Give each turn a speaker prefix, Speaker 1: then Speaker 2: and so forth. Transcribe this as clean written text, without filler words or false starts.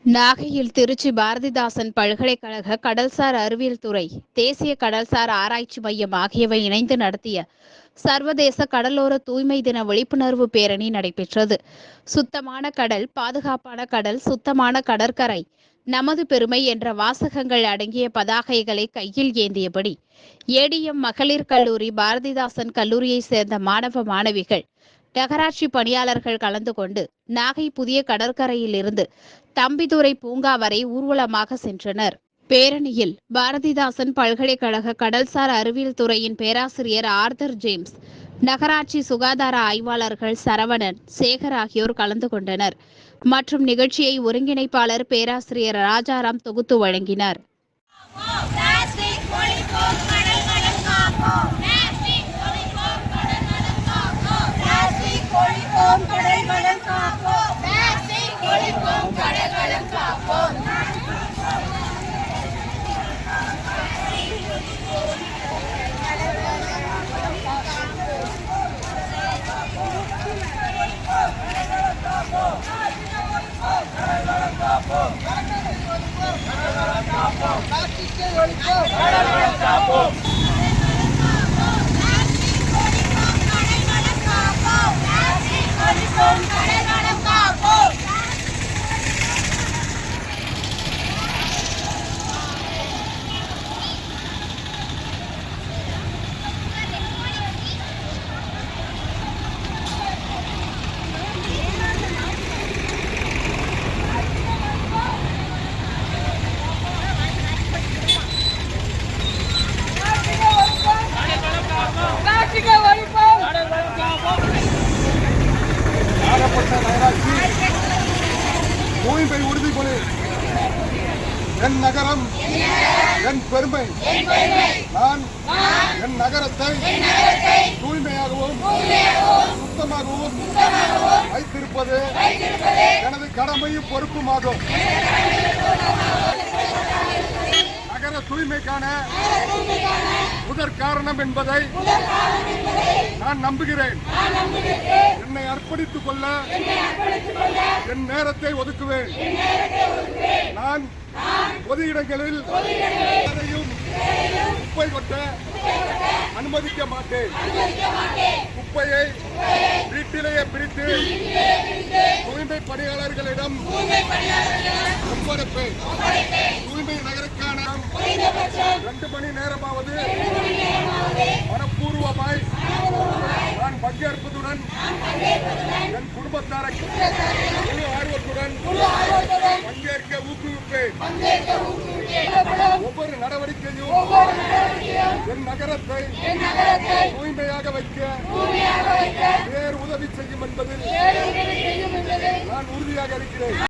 Speaker 1: நாகையில் திருச்சி பாரதிதாசன் பல்கலைக்கழக கடல்சார் அறிவியல் துறை, தேசிய கடல்சார் ஆராய்ச்சி மையம் ஆகியவை இணைந்து நடத்திய சர்வதேச கடலோர தூய்மை தின விழிப்புணர்வு பேரணி நடைபெற்றது. சுத்தமான கடல், பாதுகாப்பான கடல், சுத்தமான கடற்கரை, நமது பெருமை என்ற வாசகங்கள் அடங்கிய பதாகைகளை கையில் ஏந்தியபடி ஏடிஎம் மகளிர் கல்லூரி, பாரதிதாசன் கல்லூரியை சேர்ந்த மாணவ மாணவிகள், நகராட்சி பணியாளர்கள் கலந்து கொண்டு நாகை புதிய கடற்கரையில் இருந்து தம்பிதுரை பூங்கா வரை ஊர்வலமாக சென்றனர். பேரணியில் பாரதிதாசன் பல்கலைக்கழக கடல்சார் அறிவியல் துறையின் பேராசிரியர் ஆர்தர் ஜேம்ஸ், நகராட்சி சுகாதார ஆய்வாளர்கள் சரவணன், சேகர் ஆகியோர் கலந்து கொண்டனர். மற்றும் நிகழ்ச்சியை ஒருங்கிணைப்பாளர் பேராசிரியர் ராஜாராம் தொகுத்து வழங்கினார்.
Speaker 2: தூய்மை உறுதிமொழி. என் நகரம் என் பெருமை. நான் என் நகரத்தை தூய்மையாகவும் சுத்தமாகவும் வைத்திருப்பது எனது கடமையும் பொறுப்புமாகும். நகர தூய்மைக்கான முதற் காரணம் என்பதை நான் நம்புகிறேன். என்னை அர்ப்பணித்துக் கொள்ள என் நேரத்தை ஒதுக்குவேன். நான் பொது இடங்களில் குப்பை கொட்ட அனுமதிக்க மாட்டேன். குப்பையை வீட்டிலேயே பிரித்து தூய்மை பணியாளர்களிடம் ஒப்படைப்பேன். தூய்மை நகருக்கான 2 மணி நேரமாவது மனப்பூர்வமாய் நான் பங்கேற்பதுடன் என் குடும்பத்தாரை முழு ஆர்வத்துடன் பங்கேற்க ஊக்குவிப்பேன். ஒவ்வொரு நடவடிக்கையும் என் நகரத்தை தூய்மையாக வைக்க வேறு உதவி செய்யும் என்பதில் நான் உறுதியாக இருக்கிறேன்.